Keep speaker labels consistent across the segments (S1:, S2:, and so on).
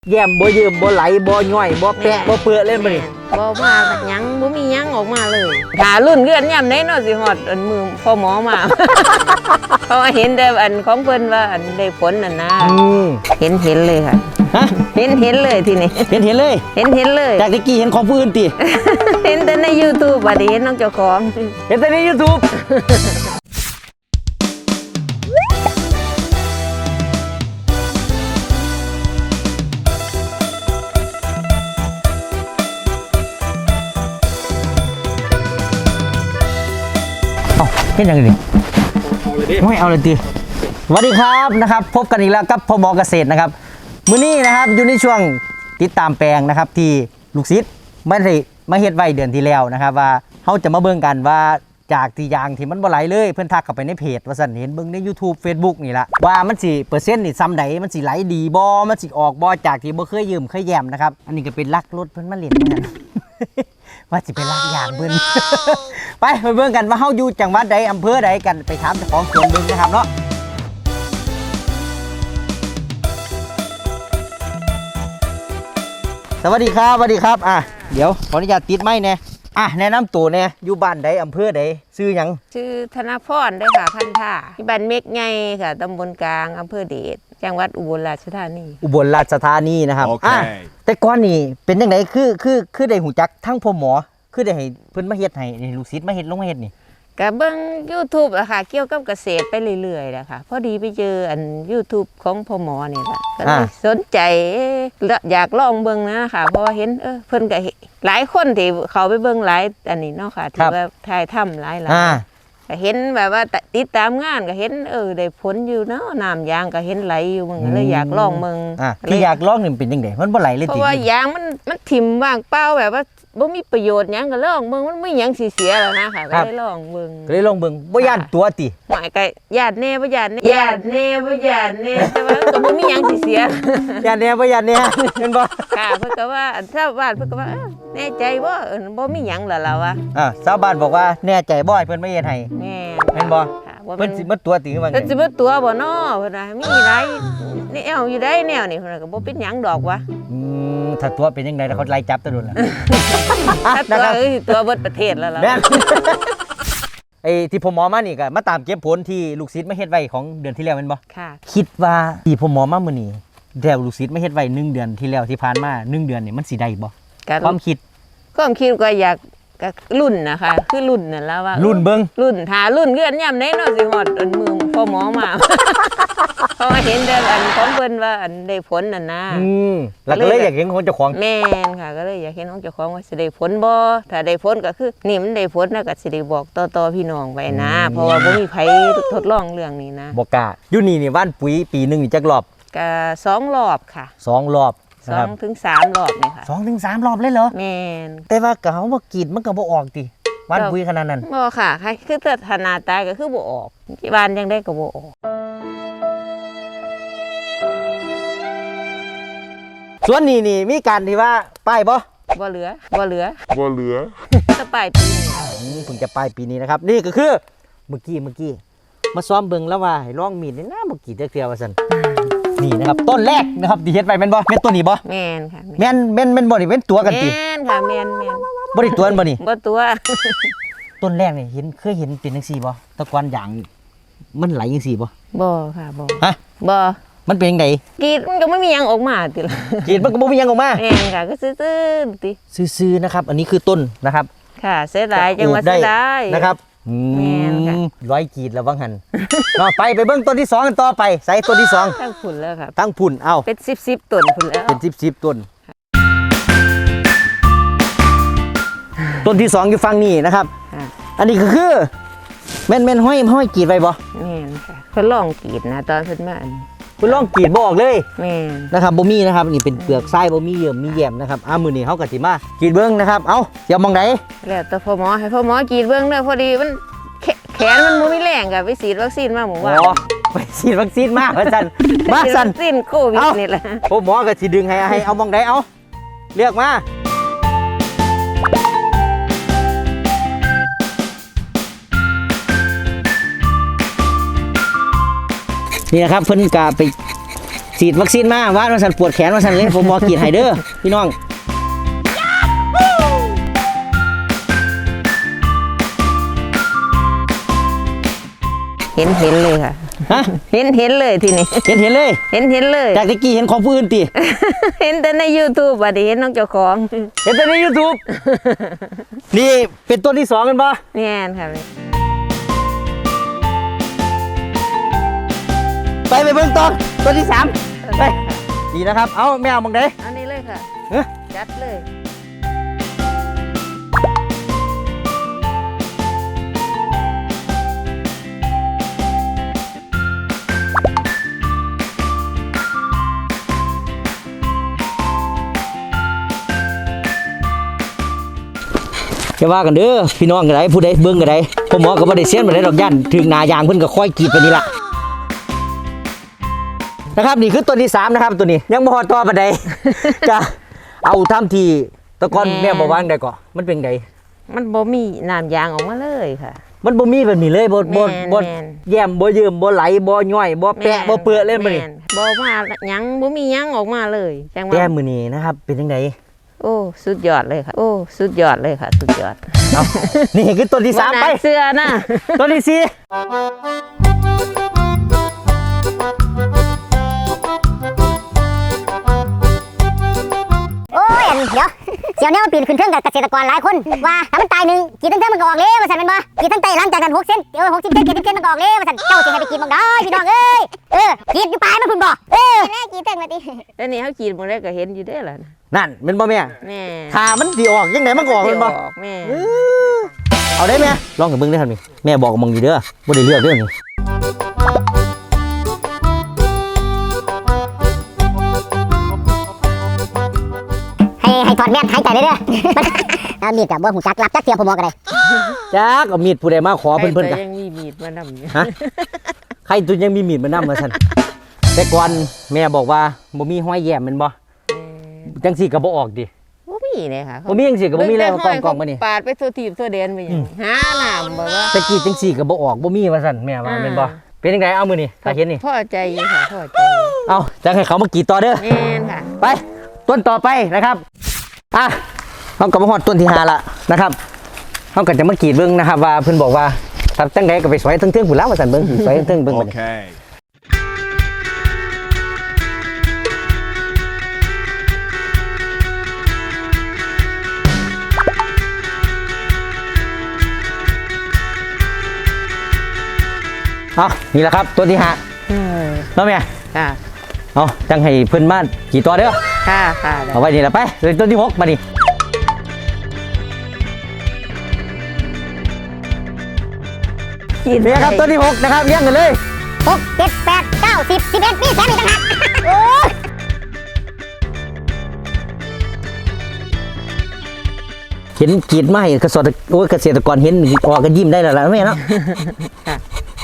S1: แย้มบ่ยืมบ่ไหลบ่ย่อยบ่แปะบ่เปื้อเล่นบ่นี่
S2: บ่มาหยังบ่มีหยังออกมาเลยหารุ่นเกือนยามไหนเนาะสิฮอดอันมือพ่อหมอมา เพราะว่าเห็นแต่อันของเพิ่นว่าอันได้ผลน่ะนะเห็นเลยค่ะ
S1: ฮะ
S2: เห็นเลยทีนี้
S1: เห็นเลย
S2: เห็นเลย
S1: จากตะกี้เห็นของผู้อื่นติ
S2: เห็นแต่ใน YouTube บัดนี้เห็นน้องเจ้าของ
S1: เห็นแต่ใน YouTube เห็นยังไงดิไม่เอาเลยตีสวัสดีครับนะครับพบกันอีกแล้วกับพ่อหมอเกษตรนะครับมื้อนี้นะครับอยู่ในช่วงติดตามแปลงนะครับที่ลูกศิษย์ไม่ได้มาเฮ็ดไว้เดือนที่แล้วนะครับว่าเขาจะมาเบิ่งกันว่าจากที่ยางที่มันบ่ไหลเลยเพิ่นทักเข้าไปในเพจว่าซั่นเห็นเบิ่งใน YouTube Facebook นี่ละว่ามันสิเปอร์เซ็นต์นี่ซ้ำใดมันสิไหลดีบ่มันสิออกบ่จากที่บ่เคยยืมเคยแย้มนะครับอันนี้ก็เป็นลักรถเพิ่นมาเล่นเหมือนกันว่าสิไปลักยางเพิ่น ไปเบิ่งกันว่าเฮาอยู่จังหวัดใดอำเภอใดกันไปถามเจ้าของสวนเบิ่งนะครับเนาะสวัสดีครับสวัสดีครับเดี๋ยวขออนุญาตติดไม้แน่แนะนำตัวแน่อยู่บ้านใดอำเภอใดชื่อหยัง
S2: ชื่อธนพรได้ค่ะพันธาที่บ้านเมฆไงค่ะตำบลกลางอำเภอเดชจังหวัดอุบลราชธานี
S1: นะครับ
S3: Okay.
S1: แต่ก่อนนี่เป็นจังไดคือได้หูจักทั้งพ่อหมอคือได้ให้เพิ่นมาเฮ็ดให้ลูกศิษย์มาเฮ็ดลงมาเฮ็ดนี่
S2: ก็เบิ่ง YouTube อะค่ะเกี่ยวกับเกษตรไปเรื่อยๆนะคะพอดีไปเจออัน YouTube ของพ่อหมอนี่ล่ะก็เลยสนใจอยากลองเบิ่งนะคะเพราะว่าเห็นเพิ่นก็หลายคนที่เขาไปเบิ่งหลายอันนี้เนาะค่ะที่ว่าถ่ายทำหลายก็เห็นแบบว่าติดตามงานก็เห็นได้ผลอยู่เนาะน้ำยางก็เห็นไหลอยู่มึงก็เลยอยากลองมึง
S1: ที่อยากลองนี่เป็นจังได๋มันบ่ไหลเลยติ
S2: เพราะว่ายางมันถิ่มว่างเปล่าแบบว่าบ่มีประโยชน์หยังก็ลองเบิ่งมันไม่หยังสิเสียแล้วนะค่ะก็เลยลองเบิ่ง
S1: บ่ย่านตัวติ
S2: หมายก็ย่านแน่บ่ย่านแน่ย่านแน่บ่ย่านแน่แต่ว่าก็บ่มีหยังสิเสีย
S1: ย่านแน่บ่ย่านแน่แม่นบ่
S2: ค่ะเพิ่นก็ว่าชาวบ้านเพิ่นก็ว่าแน่ใจบ่บ่มีหยังล่ะเราอะ
S1: ชาวบ้านบอกว่าแน่ใจบ่ให้เพิ่นมาเฮ็ดให้แม่นบ่เพิ่นสิมาตัวติว่าไง
S2: เพิ่นสิมาตัวบ่น้อเพิ่นว่ามีหลายแนวอยู่ได้แนวนี่เพิ่นก็บ่เป็นหยังดอกวะ
S1: ถ้าตัวเป็นยังไงแล้วเขาไล่จับตะโดนล่ะ
S2: ถ้าตัวเบิดประเทศแล้วล่ะ
S1: ไอ้ที่ผมหมอมานี่ก็มาตามเก็บผลที่ลูกศิษย์มาเฮ็ดไว้ของเดือนที่แล้วแม่นบ่
S2: ค่ะ
S1: คิดว่าที่ผมหมอมามื้อนี้แล้วลูกศิษย์มาเฮ็ดไว้1เดือนที่แล้วที่ผ่านมา1เดือนนี่มันสิได้บ่ความคิด
S2: ก็อยากก็รุ่นนะคะคือรุ่นนั่นแล้วว่า
S1: รุ่นเบิ่ง
S2: รุ่นหารุ่นเกือนยามไหนเนาะสิฮอดอันมือพ่อหมอมา เพราะว่าเห็นแต่อันของเพิ่นว่าอันได้ผลนั่นนะ
S1: แล้วก็เลยอยากเห็นของเจ้าของ
S2: แม่นค่ะก็เลยอยากเห็นของเจ้าของว่าสิได้ผลบ่ถ้าได้ผลก็คือนี่มันได้ผลนะก็สิได้บอกต่อพี่น้องไว้นะเพราะว่าบ่มีไผทดลองเรื่องนี้นะ
S1: บ่กล้าอยู่นี่ว่านปุ๋ยปีนึงนี่จักรอบ
S2: ก็2รอบค่ะ
S1: 2รอบ
S2: 2 ถึง 3 รอบนี่ค่ะ
S1: 2 ถึง 3 รอบเลยเหรอ
S2: แม่น
S1: แต่ว่าก็เฮาบ่กรีดมันก็บ่ออกติว่านปุ๋ยขนาดนั้น
S2: บ่ค่ะคือถ้าขนาดตายก็คือบ่ออกบ้านจังได๋ก็บ่ออก
S1: ส่วนนี้มีการที่ว่าป้าย
S2: บ่เหลือจะปลายปี
S1: นี้เพิ่งจะปลายปีนี้นะครับนี่ก็คือเมื่อกี้มาซ้อมเบิ่งแล้วว่าให้ลองมีดนี่นะบ่กี่เทื่อว่าซั่นนี่นะครับต้นแรกนะครับที่เฮ็ดไว้แม่นบ่แม่นตัวนี้บ่
S2: แม่นค่ะ
S1: แม่นบ่นี่เป็นตัวกันติ
S2: แม่นค่ะแม่น
S1: บ่ได้ตัวบ่นี่
S2: บ่ตัว
S1: ต้นแรกนี่เคยเห็นเป็นจังซี่บ่ตะกอนอย่างมันไหลจังซี่บ่
S2: ค่ะบ่
S1: ฮะ
S2: บ่
S1: มันเป็นจังได๋
S2: กรีดมันก็ไม่มีหยังออกมาติล่ะ
S1: กรีดมันก็บ่มีหยังออกมา
S2: แม่นค่ะก็ซื่อๆติ
S1: ซื่อๆนะครับอันนี้คือต้นนะครับ
S2: ค่ะเสียดายจังว่าเสียดาย
S1: นะครับแม่นค่ะร้อยกรีดแล้วว่าหั่นไปเบิ่งต้นที่2กันต่อไปใส่ต้นที่2
S2: ตั้งพุ่นแล้วครับ
S1: ตั้งพุ่น
S2: เป็น10ต้นพุ่นแล้ว
S1: เป็น10ต้นต้นที่2อยู่ฝั่งนี้นะครับอันนี้ก็คือแม่นห้อยกรีดไว้บ่
S2: แม่นค่ะเพิ่นลองกรีดนะตอนเพิ่นมา
S1: เพิ่นลองกรีดบ่ออกเลย
S2: แม่น
S1: นะครับบ่มีนะครับนี่เป็นเปลือกทรายบ่มีเยื่อมีแยมนะครับมื้อนี้เฮาก็สิมากรีดเบิ่งนะครับเดี๋ยวมองไหน
S2: แล้วแต่พ่อหมอให้พ่อหมอกรีดเบิ่งเด้อพอดีมันแขนมันบ่มีแรงก็ไปฉีดวัคซีนมาหมู่ว่า
S1: ไปฉีดวัคซีนมาว่าซั่นมาซั่น
S2: วัคซีนโควิดนี่แหละ
S1: พ่อหมอก็สิดึงให้เอามองไหนเลือกมานี่นะครับเพิ่นก็ไปฉีดวัคซีนมาว่าสันปวดแขนว่าสันเลยผมบอกกีดไฮเดอร์พี่น้อง
S2: เห็นเลยค่ะ
S1: ฮะ
S2: เห็นเลยทีนี้
S1: เห็นเลย
S2: เห็นเลย
S1: จากตะกี้เห็นของผู้อื่นตี
S2: เห็นแต่ใน YouTube อ่ะดิเห็นน้องเจ้าของ
S1: เห็นแต่ใน YouTube นี่เป็นต้นที่2กันปะ
S2: แม่นค่ะ
S1: ไปเบิ่งต่อต้นที่3ไปดีนะครับเอาแมวมองได้
S2: อันนี้เลยค่ะ
S1: เฮ้ย
S2: จัดเลย
S1: จะว่ากันเด้อพี่น้องกันไดผู้ใดเบิ่งกันไดผมหมอก็บ่ได้เสียนบ่ได้ดอกย่านถึงหนายางเพิ่นก็ค่อยกรีดไปนี่ล่ะนะครับนี่คือต้นที่3นะครับตัวนี้ยังบ่ฮอดต่อปานใด จะเอาทำที่ตะกอนแม่บ่วางได้ก็มันเป็นได
S2: มันบ่มีน้ำยางออกมาเลยค่ะ
S1: มันบ่มีแบบนี้เลยบ่
S2: แม่น
S1: แย้มบ่ยืมบ่ไหลบ่ย่อยบ่แปะบ่เปื้อเล่นบ่นี่
S2: แม่บ่มาหยังบ่มีหยังออกมาเลยจัง
S1: แก้
S2: ว่า
S1: มื้อนี้นะครับเป็นจังได
S2: โอ้สุดยอดเลยค่ะ โอ้สุดยอดเลยค่ะ สุดยอด
S1: เอานี่คือต้นที่3ไป
S2: บ่น่าเสื้อนะ
S1: ต้นที่
S3: โอ้ยเดี๋ยวเสี่ยวแนวปีนขึ้นเครื่องกับเกษตรกรหลายคนว่าถ้ามันตายหนึ่งกี่ตั้งแต่มันก็ออกเลยว่าสันเป็นบ่กี่ตั้งแต่หลังจากนั้น6 เซน60 เซน70 เซนมันก็ออกเลยว่าสันเจ้าสิให้ไปกินบังได้พี่น้องเอ้ยกินอยู่ปลายมันพุ่นบ่แม่กี่ตั้งมาติ
S2: แล้วนี่เฮากินบ่ได้ก็เห็นอยู่เด้อล่ะนะ
S1: นั่นแม่นบ่แม่
S2: แม่
S1: ถ้ามันสิออกจังไดมันก็ออกแม่นบ่
S2: ออกแม่
S1: เอาได้ไหมลองกับเบิ้งได้ครับนี่แม่บอกกับมึงอยู่เด้อบ่ได้เลือกเด้อนี่
S3: ให้ถอดแม่นหายใจเลยเด้อเอามีดกับบ่หูจักรับจักเสียผมบอกกันเลย
S1: จักเอามีดผู้ใดมาขอเพิ่น
S2: ใคร
S1: กัน
S2: ยังมีมีดมานำอยู่
S1: ฮะใครตัวยังมีมีดมานำมาซั่นแต่ก่อนแม่บอกว่าบ่มีห้อยแย้มแม่นบ่จังซี่ก็บ่ออกดิ
S2: บ่มีเลยค่ะ
S1: บ่มีจังซี่ก็บ่มีแล้วกองมานี่
S2: ปาดไปทั่วทีบทั่วแดนไปหยังหาน้ำบ่ว่า
S1: แต่กี้จังซี่ก็บ่ออกบ่มีว่าซั่นแม่ว่าแม่นบ่เป็นจังไดเอามื้อนี้ถ้าเห็นนี่
S2: พอใจอยู่ค่ะพอใจ
S1: เอาจังให้เขามากรีดต่อเด้อ
S2: แม่นค่ะ
S1: ไปต้นต่อไปนะครับอ่ะเราก็มาฮอดต้นที่5ละนะครับเราก็จะมากรีดเบิ่งนะครับว่าเพิ่นบอกว่าถ้าจังไดก็ไปสวยเทิงๆพุ่นแล้วว่าซั่นเบิ่งสวยเทิงๆเบิ่งบัดนี้
S4: Okay.
S1: เอานี่แหละครับต้นที่5แล้วแม่
S2: ค่ะ
S1: เอาจังให้เพิ่นมากี่ตัวเด้อ
S2: ค่ะค่ะ
S1: เอาไว้นี่แหละไปเลยต้นที่6มานี่นี่ครับต้นที่6นะครับเลี้ยงกันเลย
S3: 6 7 8 9 10 11นี่แถมอีกต่างหากโอ้ย
S1: เห็นกรีดมาให้เกษตรกรเห็นออกกันยิ้มได้แล้วล่ะแม่เนาะ
S2: ค่ะ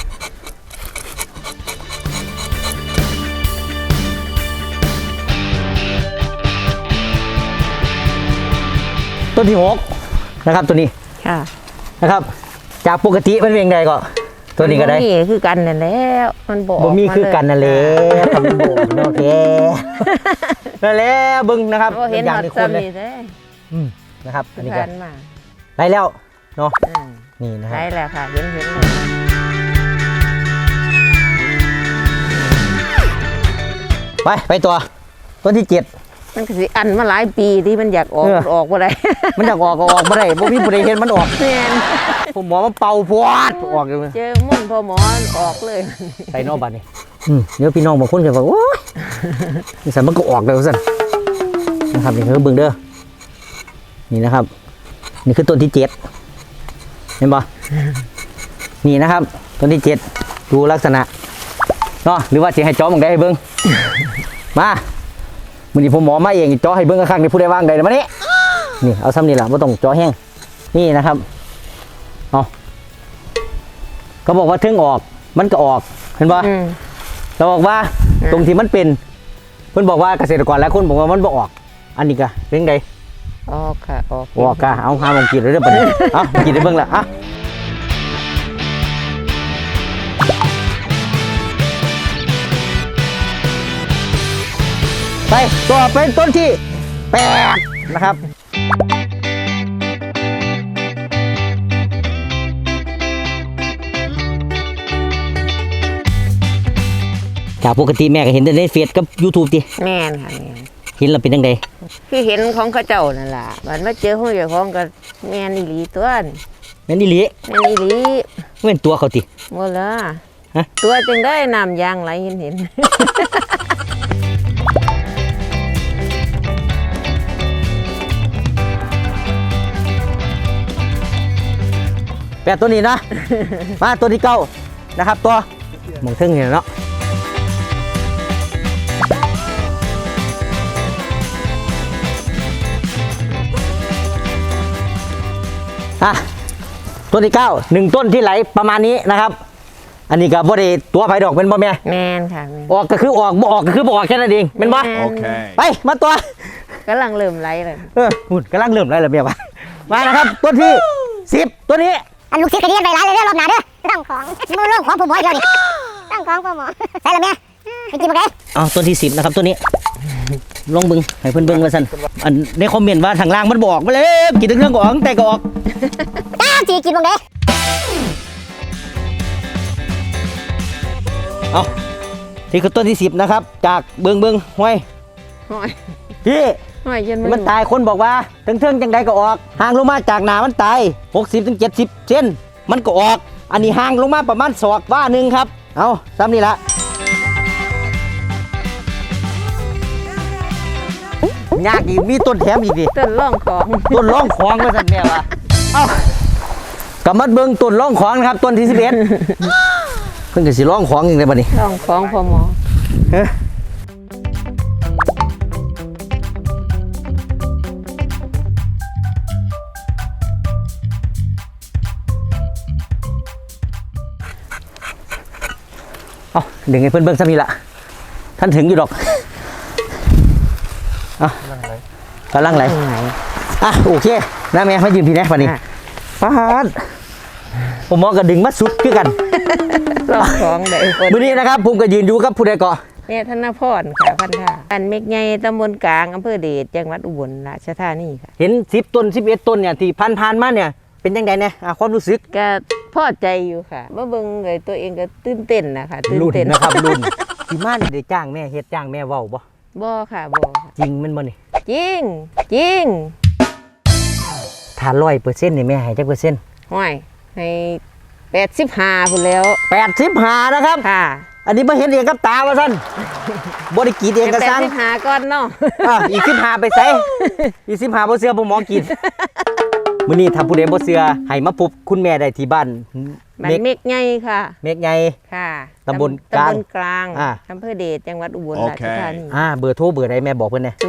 S1: ต้นที่6นะครับตัวนี้
S2: ค่ะ
S1: นะครับ จากปกติมันเป็นยังไงก็ตัวนี้ก็ได้
S2: นี่คือกันนั่นแล้วมันบ่
S1: บ่มีคือกันนั่นแหละครับบ่โอเคนั่นแหละเบิ่งนะครับ
S2: บ่เห็น
S1: อย่า
S2: ห
S1: ง
S2: อด
S1: ในคนเลย
S2: ซ้ำนี่แท้
S1: นะครับอันนี้
S2: กั
S1: ก็
S2: นมา
S1: ได้แล้วเนาะ
S2: อืม
S1: นี่นะครั
S2: ได้
S1: บ
S2: แล้วค่ะเห็นเลย
S1: ไปตัวต้นที่ 7
S2: มันก็สิอันมาหลายปีที่มันอยากออก
S1: เออ
S2: ออกบ่ได้
S1: มันอยากออกก็ออกบ่ได้บ่มีผู้ใดเห็นมันออก
S2: แม่น
S1: ผมหมอมันเป่าพวดออกเลย
S2: เจอมุ่นพอหมอออกเลย
S1: ใส่นอกบัดนี่เดี๋ยวพี่น้องบางคนก็ว่าโอ้ยนี่สันมันก็ออกเลยสั่นนะครับนี่คือเบิ่งเด้อนี่นะครับ นี่คือต้นที่ 7เห็นปะนี่นะครับต้นที่ 7ดูลักษณะเนาะหรือว่าสิให้จ้อมองได้ให้เบิ่งมามื้อนี้ผมหมอมาเองจ้อให้เบิ่งข้างๆนี่ผู้ใดว่างใดมานี่นี่เอาซ้ำนี่ล่ะบ่ต้องจ้อแห้งนี่นะครับเอาก็บอกว่าถึงออกมันก็ออกเห็นปะ
S2: อืม
S1: เราบอกว่าตรงที่มันเป็นเพิ่นบอกว่าเกษตรกรหลายคนบอกว่ามันบ่ออก อันนี้ก็เป็นไง
S2: ออกค่ะออก
S1: ออกก็เอาหาลองกินเลยเด้อบัดนี้เอากินได้เบิ่งละอ่ะไปต่อเป็นต้นที่8นะครับจากปกติแม่ก็เห็นแต่ในเฟซกับ YouTube ติ
S2: แม่นค่ะแม่น
S1: เห็นแล้วเป็นจังได
S2: คือเห็นของเขาเจ้านั่นล่ะมันมาเจอของเจ้าของก็แม่นอีหลีตัวนี่
S1: แม่นอีหลี
S2: แม่นอีหลี
S1: แม่นตัวเขาติ
S2: บ่ละ
S1: ฮะ
S2: ตัวจึงได้น้ำยางไหลเห็น
S1: 8ตัวนี้นะ มาตัวที่9นะครับตัวหมองทึ่งนี่เนาะอ่ะต้นที่9 1ต้นที่ไหลประมาณนี้นะครับ อันนี้ก็บ่ได้ตัวไผดอกเป็นบ่แม่
S2: แม่นค่ะแม่น
S1: ออกก็คือออกบ่ออกก็คือบ่ออกแค่นั้นเองเป็นบ่
S2: แม่น
S4: Okay.
S1: ไปมาตัว
S2: กำลังเริ่มไหลเลย
S1: หุ่นกำลังเริ่มไล่ระเบียบว่ะมานะครับต้นที่10ตัวนี้
S3: อันลูกศิษย์ก็เรียนไปหลายเลยเด้อรอบหน้าเด้อตั้งของมือเรื่องของผมหมอเดียวนี่ตั้งของผมหมอใส่ละแม่ให้กินบ่ได้
S1: เอาต้นที่10นะครับตัวนี้ลองเบิ่งให้เพิ่นเบิ่งว่าซั่นอันในคอมเมนต์ว่าทางล่างมันบอกมาเลยกินทั้งเรื่องก็ออกแต่ก็ออก
S3: จ้าสิกินบ่ได้
S1: เอาที่คือต้นที่10นะครับจากเบิ่งห้วย
S2: ห้อย
S1: พี่
S2: ห้อยจน
S1: มันตายคนบอกว่าเทิงๆจังใดก็ออกห่างลงมาจากหนามันตาย60 ถึง 70 เซนมันก็ออก อันนี้ห่างลงมาประมาณศอกว่าหนึงครับเอาซ้ำนี่ละยากอีกมีต้นแถมอีกดิ
S2: ต้นร่องของ
S1: ต้นร่องของว่าสั่นแม่วะเอ้ากำมัดเบิ่งต้นร่องของนะครับต้นที่11 เพิ่นก็สิร่องของอย่างไรบัดนี้
S2: ร่องของพ่อหมอ
S1: เฮ้ยเอาดึงให้เพิ่นเบิ่งซะนี่ละท่านถึงอยู่ดอกเอากำลังไหล
S2: ไหน
S1: อ่ะโอเคนะแม่มายืนพี่นะวันนี้
S2: อ่ะ
S1: ฟาดผมมองกระดึงมาสุดคือกัน
S2: ร่องของได้คน
S1: มื้อนี้นะครับผมก็ยืนอยู่กับผู้ใดก่อ
S2: แม่ธนพรค่ะพันธะอันเมกใหญ่ตำบลกลางอำเภอเดชจังหวัดอุบลราชธานีค่ะ
S1: เห็น10ต้น11ต้นเนี่ยที่ผ่านมาเนี่ยเป็นยังไงเนี่ยความรู้สึก
S2: ก็พอใจอยู่ค่ะมาเบิ่งเลยตัวเองก็ตื่นเต้นนะคะตื่น
S1: รุ่น
S2: เต้น
S1: นะครับรุ่นที่มานี่ได้จ้างแม่เฮ็ดจ้างแม่เว้าบ่
S2: บ่ค่ะบ่ค่ะ
S1: จริงแมันบ่นี่
S2: จริงจริง
S1: ถ้า100%นี่แม่ให้จักเปอร์เซ็นต์
S2: ห้อยให้85พุ่นแล้ว
S1: 85นะครับ
S2: ค่ะ
S1: อันนี้บ่เห็นเองกับตาว่าซั่นบ่ได้กรีดเองก็สั่ง
S2: 85ก่อนเนาะ
S1: อีก15ไปใส่อีก15บ่เชื่อบ่หมอกินมื้อนี้ถ้าผู้ใดบ่เชื่อให้มาพบคุณแม่ได้ที่บ้าน
S2: มันเมกใหญ่ค่ะ
S1: เมฆใหญ่
S2: ค่ะ
S1: ตำบลกลาง
S2: ตำบลกลาง
S1: อ่า
S2: อำเภอเดชจังหวัดอุบล
S4: โอ
S2: รา
S4: เค
S2: ชธานี
S1: เบอร์โทรเบอร์ใดแม่บอกเพิ่นแหน่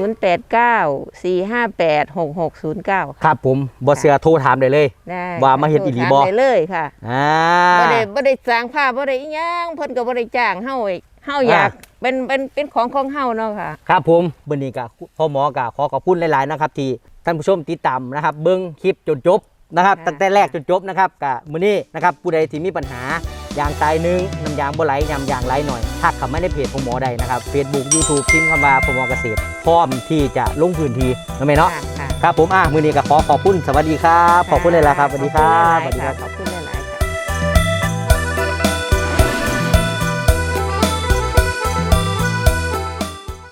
S2: 0894586609
S1: ครับผมบ่เชื่อโทรถามได้เลย
S2: ได้
S1: ว่ามาเฮ็ดอีหลีบ่
S2: ได้เลยค่ะ
S1: อ่า
S2: บ่ได้สร้างภาพบ่ได้อีหยังเพิ่นก็บ่ได้จ้างเฮาอีกเฮาอยากเป็นของเฮาเนาะค่ะ
S1: ครับผมมื้อนี้ก็พ่อหมอก็ขอขอบคุณหลายๆนะครับที่ท่านผู้ชมติดตามนะครับเบิ่งคลิปจนจบนะครับ
S2: ค่ะ
S1: ตั้งแต่แรกจนจบนะครับก็มื้อนี้นะครับผู้ใดที่มีปัญหายางตายหนึงน้ำยางบ่ไหลยางไหลหน่อยทักเข้ามาในเพจพ่อหมอได้นะครับ Facebook YouTube พิมพ์คำว่าพ่อหมอเกษตรพร้อมที่จะลงพื้นที่นะแม่เนาะ
S2: ค่ะ
S1: ครับผมมื้อนี้ก็ขอขอบคุณสวัสดีครับขอบคุณเลยล่ะครับสวัสดีครับ
S2: ขอบคุณหลายๆค่ะขอบคุณ